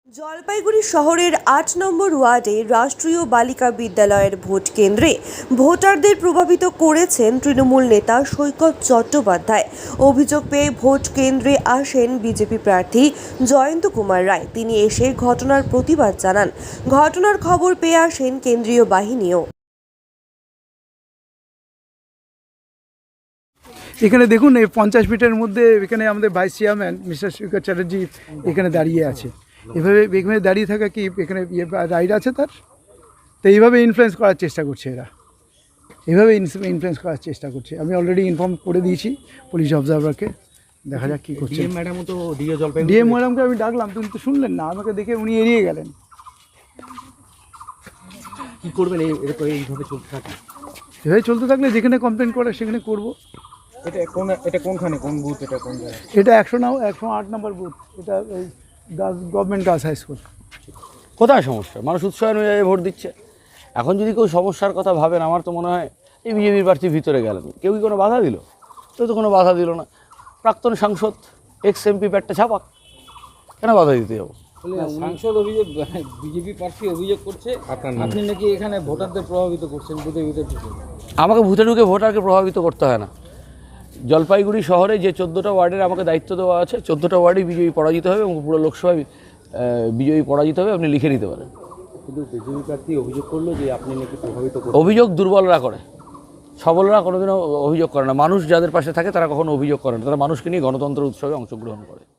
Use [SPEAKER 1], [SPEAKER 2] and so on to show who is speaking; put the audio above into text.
[SPEAKER 1] জলপাইগুড়ি শহরের ৮ নম্বর ওয়ার্ডে রাষ্ট্রীয় বালিকা বিদ্যালয়ের ভোট কেন্দ্রে ভোটারদের প্রভাবিত করেছেন তৃণমূল নেতা সৈকত চট্টোপাধ্যায়। অভিযোগ পেয়ে ভোট কেন্দ্রে আসেন বিজেপি প্রার্থী জয়ন্ত কুমার রায়। তিনি এসে ঘটনার প্রতিবাদ জানান। ঘটনার খবর পেয়ে আসেন কেন্দ্রীয় বাহিনীও।
[SPEAKER 2] এখানে দেখুন, এই 50 ফিটের মধ্যে এখানে আমাদের vice chairman mister Saikat Chatterjee এখানে দাঁড়িয়ে আছে। এখানে দাঁড়িয়ে থাকা কি এখানে রাইট আছে তার? তো এইভাবে ইনফ্লুয়েন্স করার চেষ্টা করছে এরা, এইভাবে ইনফ্লুয়েন্স করার চেষ্টা করছে। আমি অলরেডি ইনফর্ম করে দিয়েছি পুলিশ অবজারভারকে, দেখা যাক কী করছে। ডিএম ম্যাডামকে আমি ডাকলাম, তুমি তো শুনলেন না, আমাকে দেখে উনি এড়িয়ে গেলেন।
[SPEAKER 3] কী করবেন এইভাবে চলতে থাকে?
[SPEAKER 2] এভাবে চলতে থাকলে যেখানে কমপ্লেন করে সেখানে করবো।
[SPEAKER 3] এটা কোনখানে, কোন বুথ, এটা কোন জায়গায়?
[SPEAKER 2] এটা 108 নম্বর বুথ, এটা এই গভর্নমেন্ট গার্লস হাই স্কুল।
[SPEAKER 4] কোথায় সমস্যা? মানুষ উৎসাহ অনুযায়ী ভোট দিচ্ছে। এখন যদি কেউ সমস্যার কথা ভাবেন, আমার তো মনে হয় এই বিজেপির প্রার্থী ভিতরে গেলেন, কেউ কি কোনো বাধা দিল? কেউ তো কোনো বাধা দিল না। প্রাক্তন সাংসদ এক্স এমপি প্যাটটা ছাপাক, কেন বাধা দিতে যাবো?
[SPEAKER 3] সাংসদ অভিযোগ, বিজেপি প্রার্থী অভিযোগ করছে আপনি নাকি এখানে ভোটারদের প্রভাবিত করছেন বুথের ভিতর ঢুকে।
[SPEAKER 4] আমাকে ভূতে ঢুকে ভোটারকে প্রভাবিত করতে হয় না। জলপাইগুড়ি শহরে যে 14টা ওয়ার্ডের আমাকে দায়িত্ব দেওয়া আছে, 14টা ওয়ার্ডেই বিজেপি পরাজিত হবে এবং পুরো লোকসভায় বিজয়ী পরাজিত হবে, আপনি লিখে নিতে পারেন।
[SPEAKER 3] কিন্তু বিজেপি প্রার্থী অভিযোগ করলো যে আপনি নাকি প্রভাবিত করছেন।
[SPEAKER 4] অভিযোগ দুর্বলরা করে, সবলরা কোনোদিনও অভিযোগ করে না। মানুষ যাদের পাশে থাকে তারা কখনো অভিযোগ করে না, তারা মানুষকে নিয়ে গণতন্ত্র উৎসবে অংশগ্রহণ করে।